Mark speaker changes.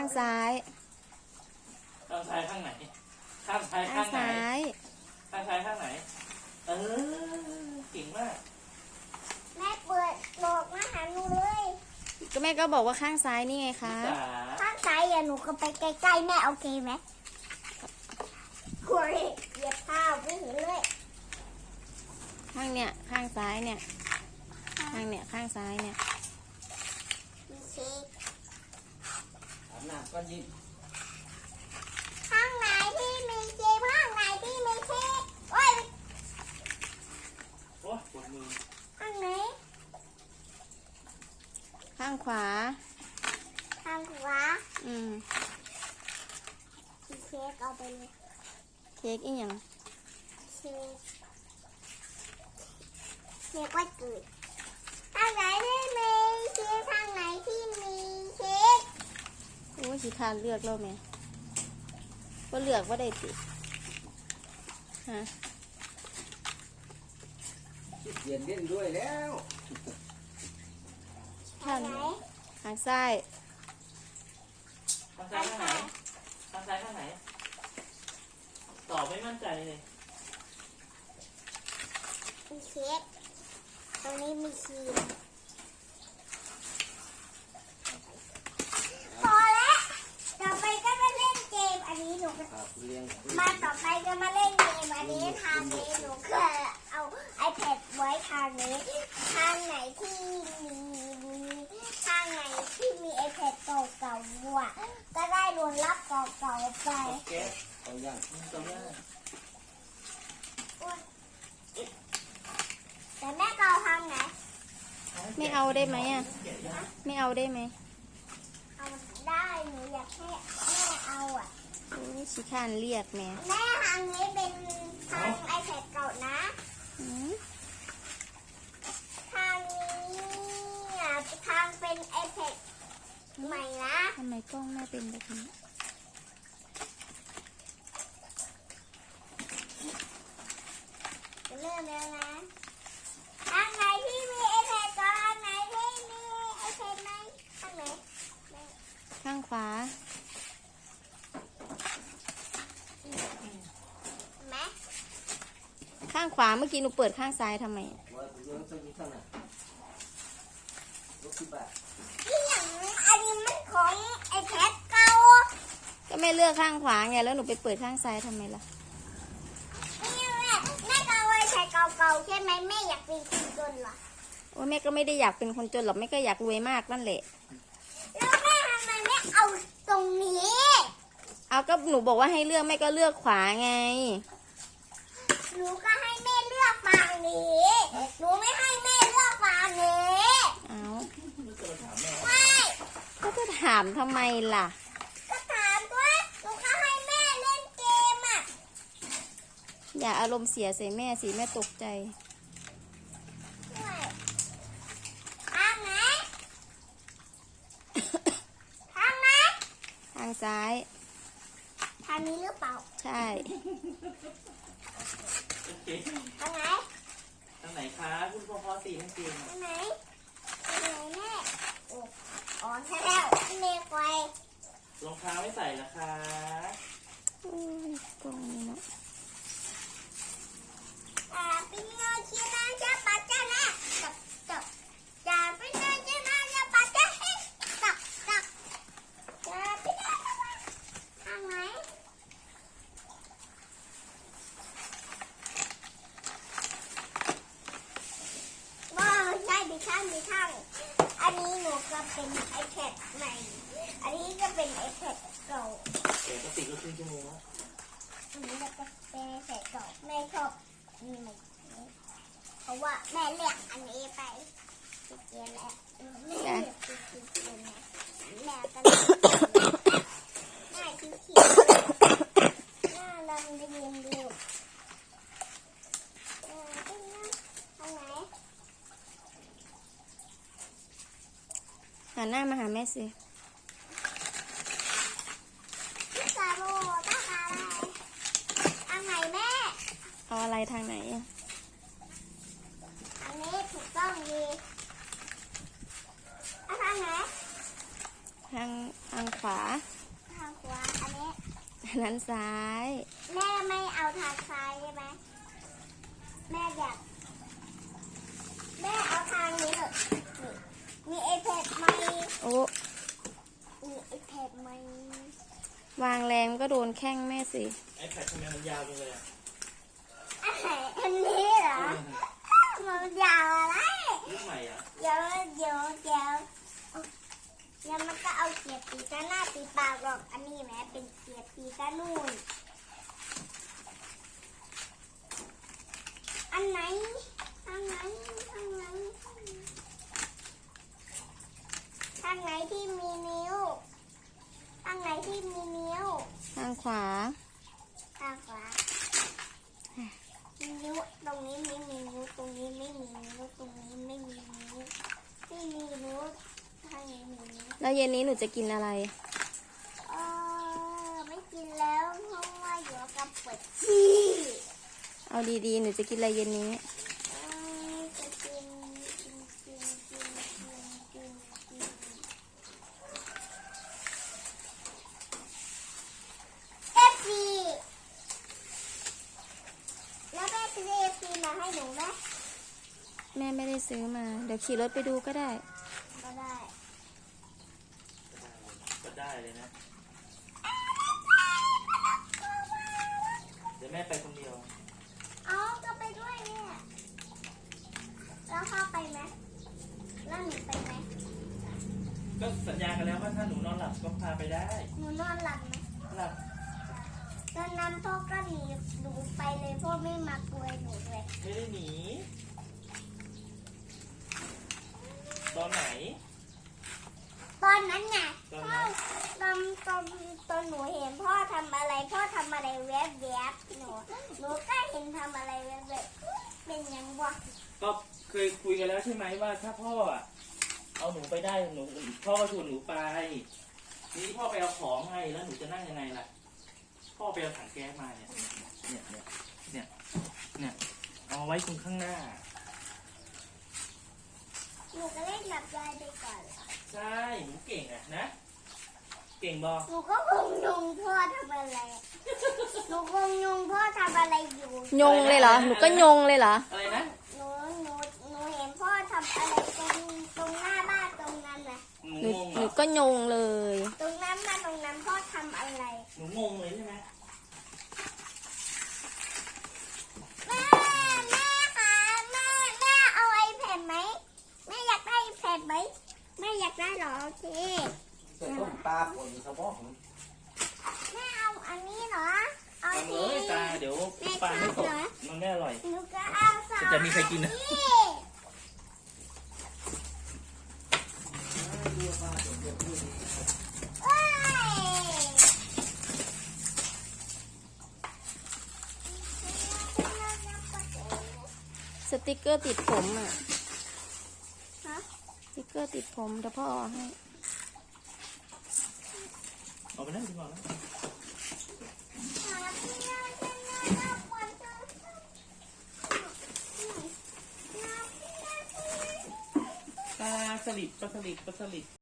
Speaker 1: างซ้าย
Speaker 2: ข้างซ้ายข้างไหนข้างซ้าย
Speaker 1: ข้า
Speaker 2: ข้าง งไหน
Speaker 1: ซ้าย
Speaker 2: ข้างซ้ายข้างไหนเก่งมาก
Speaker 3: แม่เปิดบอกมาหาหนูเลย
Speaker 1: ก็แม่ก็บอกว่าข้างซ้ายนี่ไงคะ
Speaker 2: จ๋า
Speaker 3: ข้างซ้ายอย่าหนูก็ไปใกล้ๆแม่โอเคไหมกลัวเลยเหยียบเท้าไม่เห็นเลย
Speaker 1: ข้างเนี่ยข้างซ้ายเนี่ยข้างเนี่ยข้างซ้ายเนี่ย
Speaker 3: มีเค้ก
Speaker 2: อาบน้ำก้อนยิ้ม
Speaker 3: ข้างไหนที่มีเค้กข้างไหนที่มีเค้กโอ้ย
Speaker 2: โอ้ปวดมือ
Speaker 3: ข้างไหน
Speaker 1: ข้างขวา
Speaker 3: ข้างขวา
Speaker 1: อืม
Speaker 3: มีเค้กเอาไปเลย
Speaker 1: เค้กอีหยัง
Speaker 3: เค้กเค้กวันเกิดข้างไหนที่มีเค้กข้างไหนที่มีเค้ก
Speaker 1: โอ้ยสิทานเลือกแล้วแม่ก็เลือกว่าได้ติฮะ
Speaker 4: เขียนเล่นด้วยแล้ว
Speaker 3: ข้างไหน
Speaker 1: ข้างซ้าย
Speaker 2: ข้างซ้ายข้างไหนข้างซ้ายข้างไหนตอบไม่มั่นใจเลย
Speaker 3: มีเค้กตรงนี้มีครีมพอแล้วต่อไปก็มาเล่นเกมอันนี้หนูก็
Speaker 4: ครับเรียง
Speaker 3: มาต่อไปก็มาเล่นเกมอันนี้ทางนี้หนูก็เอา iPad ไว้ทางนี้ทางไหนที่มีทางไหนที่มี iPad เก่าๆอ่ะก็ได้รวนรับเก่าๆไป
Speaker 2: โอเค
Speaker 4: เอาอย่าง
Speaker 2: ตรงนี้
Speaker 3: แต่แม่ก็เอาทางไหน
Speaker 1: ไม่เอาได้ไหมอ่ะไม่เอาได้ไหม
Speaker 3: เอาได้หนูอยากให้แม่เอาอ่ะ
Speaker 1: โอ้ยสิทานเรียกแม่
Speaker 3: แม่ทางนี้เป็นทาง iPad เก่านะ
Speaker 1: อืม
Speaker 3: ทางนี้อ่ะทางเป็น iPad ใหม่นะ
Speaker 1: ทำไมกล้องแม่เป็นแบบนี้
Speaker 3: จะเริ่มแล้วนะทางไหนที่มี iPad ก่อนทางไหนที่มี iPad ไหมทางไหน
Speaker 1: ข้างขวา
Speaker 3: ไหม
Speaker 1: ข้างขวาเมื่อกี้หนูเปิดข้างซ้ายทำไมอะ
Speaker 4: ว่าเรื่องสักนิดเท่านั้นรถที่บ้าน
Speaker 3: ที่อย่างอันนี้มันของ iPad เก่า
Speaker 1: ก็แม่เลือกข้างขวาไงแล้วหนูไปเปิดข้างซ้ายทำไมล่ะ
Speaker 3: นี่แม่ก็เอา iPad เก่าๆใช่ไหมแม่อยากเป็นคนจนเหรอ
Speaker 1: โอ้ยแม่ก็ไม่ได้อยากเป็นคนจนหรอกแม่ก็อยากรวยมากนั่นแหละ
Speaker 3: แล้วแม่ทำไมไม่เอาตรงนี้
Speaker 1: เอาก็หนูบอกว่าให้เลือกแม่ก็เลือกขวาไง
Speaker 3: หนูก็ให้แม่เลือกฝั่งนี้หนูไม่ให้แม่เลือกฝั่งนี้
Speaker 1: เอา
Speaker 2: ไม่เคยถามแม่
Speaker 3: ไม่
Speaker 1: ก็จะถามทำไมล่ะ
Speaker 3: ก็ถามด้วยหนูก็ให้แม่เล่นเกมอ่ะ
Speaker 1: อย่าอารมณ์เสียใส่แม่สิแม่ตกใจ
Speaker 3: ด้วยทางไหนทางไหน
Speaker 1: ทางซ้าย
Speaker 3: ทางนี้หรือเปล่า
Speaker 1: ใช่
Speaker 2: โอเค
Speaker 3: ทางไหน
Speaker 2: ทางไหนคะคุณพ่อตีให้เก่ง
Speaker 3: ทางไหนทางไหนแม่โอ้อ๋อใช่แล้วแม่ไฟ
Speaker 2: รองเท้าไม่ใส่ละคะ
Speaker 1: อุ้ยกล้องนี่เนาะ
Speaker 3: เป็นเงาชีนาจะปัจจัยนะจับจับจะเป็นเงาชีนาจะปัจจัยจับจับจะเป็นเงาทางไหนว้าวใช่ดิช่างอันนี้หนูก็เป็น iPad ใหม่อันนี้ก็เป็น iPad เก่า
Speaker 2: ปกติก็ครึ่งชั่วโมงแล้ว
Speaker 3: อันนี้ก็เป็น iPad เก่าแม่ชอบอันนี้เพราะว่าแม่เลือกอันนี้ไปเกียนแล้วแม่เลือกเกียนแล้วแม่ก็เลือกแม่คือเขียนหน้าดำเรียนเร็วทางไหน
Speaker 1: หันหน้ามาหาแม่สิ
Speaker 3: พี่สาโรต้องการอะไรทางไหนแม่
Speaker 1: เอาอะไรทางไหนอะ
Speaker 3: อันนี้ถูกต้องดีเอาทางไหน
Speaker 1: ทางขวานั้นซ้าย
Speaker 3: แม่ไม่เอาทางซ้ายใช่ไหมแม่อยากแม่เอาทางนี้เถอะนี่มีไอแพดไหม
Speaker 1: โอ้
Speaker 3: มีไอแพดไหม
Speaker 1: วางแรงก็โดนแข้งแม่สิ
Speaker 2: ไอแพดทำไมมันยาวจังเลยอ่ะ
Speaker 3: อันนี้เหรอมันยาวอะไร
Speaker 2: รุ่นใหม่อ่ะ
Speaker 3: เดี๋ยวมันก็เอาเกียร์ตีกันหน้าตีปากหรอกอันนี้แหมเป็นเกียร์ตีกันนู่นอันไหนทางไหนที่มีนิ้วทางไหนที่มีนิ้ว
Speaker 1: ทางขวา
Speaker 3: ทางขวานิ้วตรงนี้ไม่มีนิ้วตรงนี้ไม่มีนิ้วตรงนี้ไม่มีนิ้วไม่มีนิ้วทางนี้มีนิ้ว
Speaker 1: แล้วเย็นนี้หนูจะกินอะไร
Speaker 3: ไม่กินแล้วเพราะว่าอยู่กับปวดขี้
Speaker 1: เอาดีๆ หนูจะกินอะไรเย็นนี้
Speaker 3: จะกินเอฟซีแล้วแม่ซื้อเอฟซีมาให้หนูไหม
Speaker 1: แม่ไม่ได้ซื้อมา เดี๋ยวขี่รถไปดูก็ได้
Speaker 3: ก็ได้
Speaker 2: ก็ได้เลยนะ เดี๋ยวแม่ไปคนเดียว
Speaker 3: เอาก็ไปด้วยเนี่ยแล้วพ่อไปไหมแล้วหนูไปไหม
Speaker 2: ก็สัญญากันแล้วว่าถ้าหนูนอนหลับก็พาไปได้
Speaker 3: หนูนอนหลับไหม
Speaker 2: หลับ
Speaker 3: ตอนนั้นพ่อก็หนีหนูไปเลยพ่อไม่มากลัวหนูเลย
Speaker 2: ไม่ได้หนี ตอนไหน
Speaker 3: ตอนนั้นไง
Speaker 2: ตอน
Speaker 3: พ่
Speaker 2: ไหน
Speaker 3: อตอนหนูเห็นพ่อทำอะไรแวบๆหนูก็เห็นทำอะไรแวบๆเป็นยังวะ
Speaker 2: ก็เคยคุยกันแล้วใช่ไหมว่าถ้าพ่ออะเอาหนูไปได้หนูพ่อก็ชวนหนูไปทีนี้พ่อไปเอาของไงแล้วหนูจะนั่งยังไงล่ะ พ่อไปเอาถังแก๊สมาเนี่ยเอาไว้ตรงข้างหน้า
Speaker 3: หนูก็เล่นหลับยายไปก่อนเหรอ
Speaker 2: ใช่หนูเก่งอะนะ เก่งบอ
Speaker 3: หนูก็งงพ่อทำอะไรหนูงงพ่อทำอะไรอยู่
Speaker 1: ยงเลยเหรอ หนูก็ยงเลยเหรอ
Speaker 2: อะไรนะ
Speaker 3: หนูเห็นพ่อทำอะไรตรงหน้าบ้านตรงนั้นนะ
Speaker 2: หนู
Speaker 1: หนู
Speaker 2: งง
Speaker 1: ห
Speaker 2: เหร
Speaker 1: นู
Speaker 2: อ
Speaker 1: ก็ยงเลย
Speaker 3: ตรงนั้นพ่อทำอะไร
Speaker 2: หนูงงเลยใช่ไหม
Speaker 3: แม่คะแม่เอาไอแพดไหมแม่อยากได้ไอแพดไหมแม่อยากได้เหรอโอเค
Speaker 4: ใส่ต้มปลาผลสะโพก
Speaker 3: แม่เอาอันนี้เหรอเอา
Speaker 2: ทำเล
Speaker 3: ที
Speaker 2: ยตาเดี๋ยวปลาไม่ตกมันไม่อร่อย
Speaker 3: หนูก็เอาสอง
Speaker 2: จะมีใครกินนะ
Speaker 3: เอ้ย
Speaker 1: สติกเกอร์ติดผมอ่ะ
Speaker 3: ฮะ
Speaker 1: สติกเกอร์ติดผมเดี๋ยวพ่อเอาให้
Speaker 2: เอาไปนั่งดีกว่านะปลาสลิด